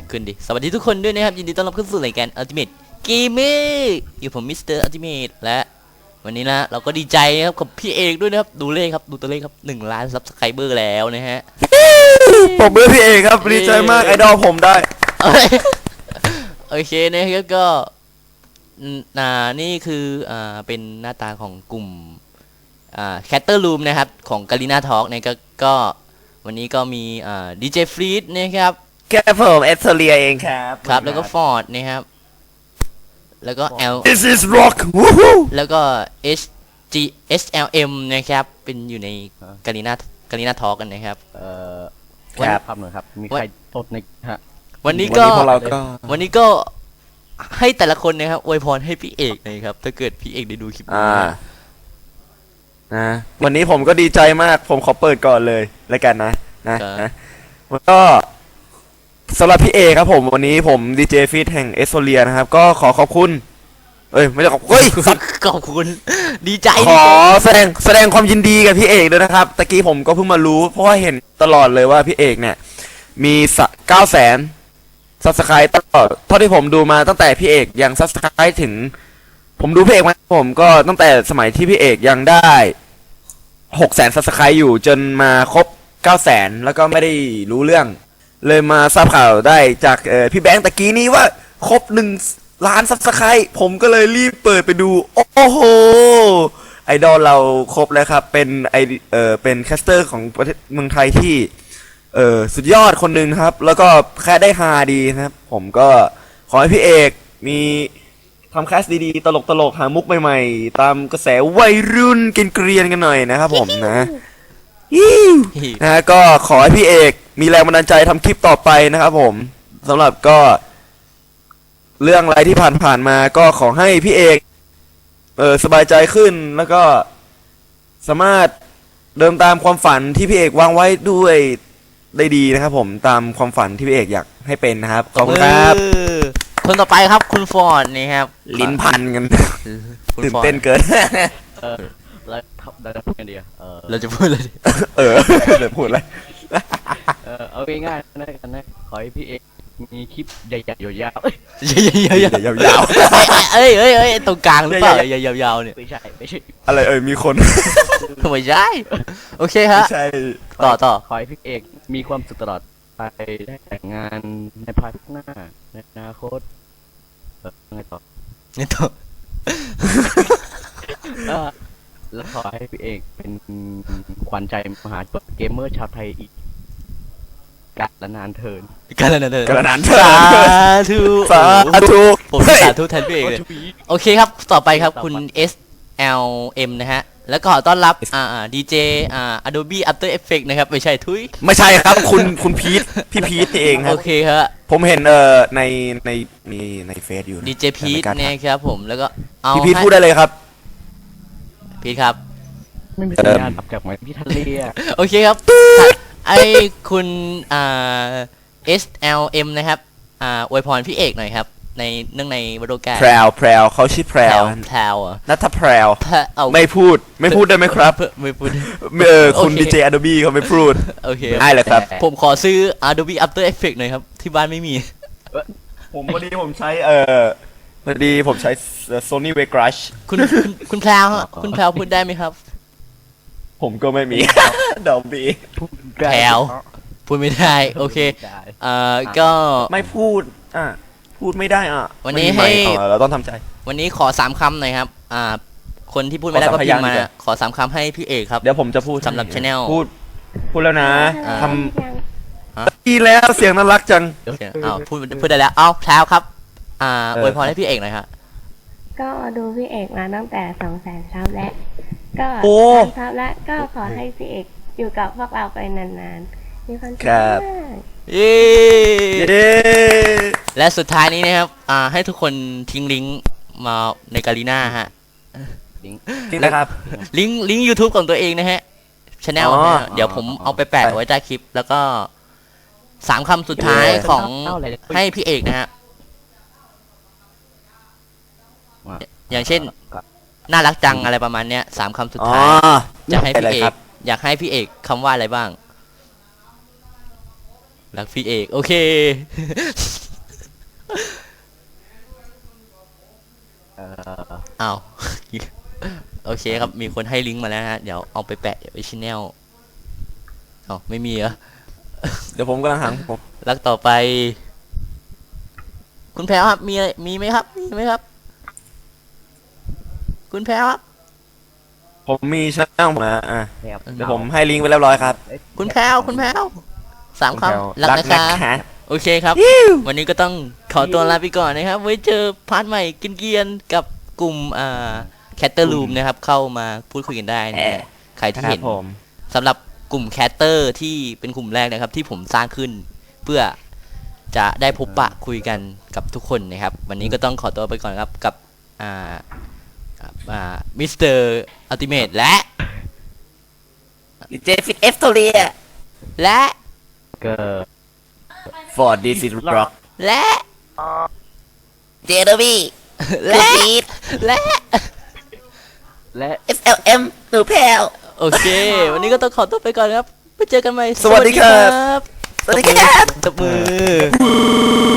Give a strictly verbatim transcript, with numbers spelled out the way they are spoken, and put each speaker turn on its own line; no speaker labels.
ขึ้นดิสวัสดีทุกคนด้วยนะครับยินดีต้อนรับเข้าสู่รายการ Ultimate Gamer อยู่ผมมิสเตอร์ Ultimate และวันนี้นะเราก็ดีใจครับกับพี่เอกด้วยนะครับดูเลขครับดูตัวเลขครับหนึ่งล้านซับสไครเบอร์แล้วนะฮะ
ผมเป็นพี่เอกครับดีใจมากไอดอลผมได้
โอเคนะครับก็อ่านี่คืออ่าเป็นหน้าตาของกลุ่มอ่า Chatter Room นะครับของ Garena Talk เนี่ยก็ก็วันนี้ก็มีอ่า ดี เจ ฟรีดนะครับ
แค่ผมเอสโซเลียเองครับ
ครับแล้วก็ฟอร์ดนะครับแล้วก็ L
This is rock
แล้วก็ H G S L M นะครับเป็นอยู่ในการีนาการีนาทอล์กกันนะครับ
เอ่อครับครับหน่อยครับมีใครตดในฮะ
วันนี้ก็วันนี้ก็ให้แต่ละคนนะครับอวยพรให้พี่เอกนะครับถ้าเกิดพี่เอกได้ดูคลิปนี้
นะวันนี้ผมก็ดีใจมากผมขอเปิดก่อนเลยแล้วกันนะนะนะแล้วก็สำหรับพี่เอครับผมวันนี้ผมดีเจฟีดแห่งเอสโซเลียนะครับก็ขอขอบคุณเอ้ยไม่ได้ขอบเฮ้ย
ขอบคุณดีใจ
ขอแสดงแสดงความยินดีกับพี่เอกด้วยนะครับตะกี้ผมก็เพิ่งมารู้เพราะว่าเห็นตลอดเลยว่าพี่เอกเนี่ยมีเก้าแสนซับสไครต์ตลอดเท่าที่ผมดูมาตั้งแต่พี่เอกยังซับสไครต์ถึงผมดูพี่เอกมาผมก็ตั้งแต่สมัยที่พี่เอกยังได้หกแสนซับสไครต์อยู่จนมาครบเก้าแสนแล้วก็ไม่ได้รู้เรื่องเลยมาทราบข่าวได้จากพี่แบงค์ตะกี้นี้ว่าครบหนึ่งล้านซับสไครต์ผมก็เลยรีบเปิดไปดูโอ้โหไอดอลเราครบแล้วครับเป็นไอเออเป็นแคสเตอร์ของประเทศเมืองไทยที่เออสุดยอดคนหนึ่งครับแล้วก็แค่ได้ฮาดีนะครับผมก็ขอให้พี่เอกมีทำแคสดีๆตลกๆหามุกใหม่ๆตามกระแสวัยรุ่นเกรียนๆกันหน่อยนะครับผมนะนะก็ขอให้พี่เอกมีแรงบันดาลใจทำคลิปต่อไปนะครับผมสำหรับก็เรื่องอะไรที่ผ่านๆมาก็ขอให้พี่เอกเออสบายใจขึ้นแล้วก็สามารถเดินตามความฝันที่พี่เอกวางไว้ด้วยได้ดีนะครับผมตามความฝันที่พี่เอกอยากให้เป็นนะครับขอบคุณครับ
คนต่อไปครับคุณฟอร์ดนี่ครับ
ลิ้นพันกันตื่นเต้นเกิน
แล้วเราจะพูดกันดีเออ
เราจะพูดอะไร
เออจะพูดอะไร
เออเอาง่ายๆนะกันนะขอให้พี่เอกมีคลิปใหญ่ๆยาว
ๆใหญ่ๆยาวๆเอ้ยเอ้ยเอ้ยตรงกลางหรือเปล่าใหญ่ๆยาวๆเนี่ย
ไม่ใช่ไม่ใช่
อะไรเอ่ยมีคน
ไม่ใช่โอเคฮะ
ใช่
ต่อต่อ
ขอให้พี่เอกมีความสุขตลอดไปได้แต่งงานในภายภาคหน้าในอนาคตเออไงต่อ
ไงต่อ
แล้วขอให้พี่เอกเป็นขวัญใจมหาชนเกมเมอร์ชาวไทยอีกกาลนานเทิน
กาลนานเทิน
กาลนานเทิน
สาธุ
สาธุ
ผมสาธุแทนพี่เอกเลยโอเคครับต่อไปครับคุณ S L M นะฮะแล้วก็ต้อนรับอ่าดีเจอ่า Adobe After Effects นะครับไม่ใช่ทุย
ไม่ใช่ครับคุณคุณพีทพี่พีทเองครับ
โอเคครับ
ผมเห็นเอ่อในในมีในเฟซอยู่
ดีเจพีทเนี่ยครับผมแล้วก็เอา
พี่พีทพูดได้เลยครับ
พีทครับ
ไม่มีสัญญาณจากไหนพี่ทะเล
โอเคครับไอคุณอ่า S L M นะครับอ่าอวยพรพี่เอกหน่อยครับในเนื่องในวโรกา
แพรวแพรวเขาชื่อแพรว
แพรว
นัทแพรวไม่พูดไม่พูดได้ไหมครับ
ไม่พูด
เออคุณดีเจ Adobe เขาไม่พูด
โอเค
ได้เลยครับ
ผมขอซื้อ Adobe After Effects หน่อยครับที่บ้านไม่มี
ผมพอดีผมใช้เอ่อพอดีผมใช้ Sony Vegas
คุณคุณแพรวคุณแพรวพูดได้ไหมครับ
ผมก็ไม่มีดอมบี
แพรวพูดไม่ได้โอเคเอ่อก็
ไม่พูดอ่ะพูดไม่ได้อ่ะ
วันนี้ให้
เราต้องทำใจ
วันนี้ขอสามคำหน่อยครับอ่าคนที่พูดไม่ได้ก็พิมพ์มาขอสามคำให้พี่เอกครับ
เดี๋ยวผมจะพูด
สำหรับ channel
พูดพูดแล้วนะทำดีแล้วเสียงน่ารักจัง
อ้าวพูดพูดได้แล้วเอ้าแพรวครับอ่าอวยพรให้พี่เอกหน่อยครับ
ก็ดูพี่เอกมาตั้งแต่สองแสนซับแล้วก็ซับแล้วก็ขอให้พี่เอกอยู่กับพวกเราไปนานๆมีความสุขมาก
เย้และสุดท้ายนี้นะครับอ่าให้ทุกคนทิ้งลิงก์มาในการีน่าฮะ
ลิงก์นะครับ
ลิงก์ลิงก์ YouTube ของตัวเองนะฮะ channel เดี๋ยวผมเอาไปแปะไว้ใต้คลิปแล้วก็สามคำสุดท้ายของให้พี่เอกนะฮะอย่างเช่นน่ารักจังอะไรประมาณเนี้ยสามคำสุดท้ายจะให้พี่เอกอยากให้พี่เอกคำว่าอะไรบ้างรักพี่เอกโอเค
เอ่อ
อ้าว โอเคครับมีคนให้ลิงก์มาแล้วนะฮะเดี๋ยวเอาไปแปะไว้ชแนลอ๋อไม่มีเหรอ
เดี๋ยวผมกำลังหาผม
รักต่อไป คุณแพรวครับมีอะไรมีไหมครับมีไหมครับ คุณแพรวครับ
ผมมีช่องผมนะอ่ะ
เนี่ยครับ
เดี๋ยวผมให้ลิงก์ไปเรียบร้อยครับ
เอ้ย
คุณแพรวคุณแพรวสาม
คุณแพรว
คำรักนะคะ
รักนะคะ
โอเคครับ วันนี้ก็ต้องขอตัวลาไปก่อนนะครับ ไว้เจอพาร์ทใหม่กินเกียนๆกับกลุ่มอ่าแคตเตอร์รูมนะครับ เข้ามาพูดคุยกันได้นะฮะใครที่
ครั
เห็
บ
น
ผม
สำหรับกลุ่มแคสเตอร์ที่เป็นกลุ่มแรกนะครับ ที่ผมสร้างขึ้น เพื่อจะได้พบปะคุยกันกับทุกคนนะครับ วันนี้ก็ต้องขอตัวไปก่อนครับกับอ่ากับอ่ามิสเตอร์อัลติเมทและ
เจฟิตเอฟโตเรีย
และ
เกิด
for this is rock
และ
เจเดบี้
และ และ
และ
เอส แอล เอ็ม หนูแพลว
โอเค วันนี้ก็ต้องขอตัวไปก่อนครับไปเจอกันใหม่
สวัสดีครับ
บ
สวัสดีครับ
ตบมือ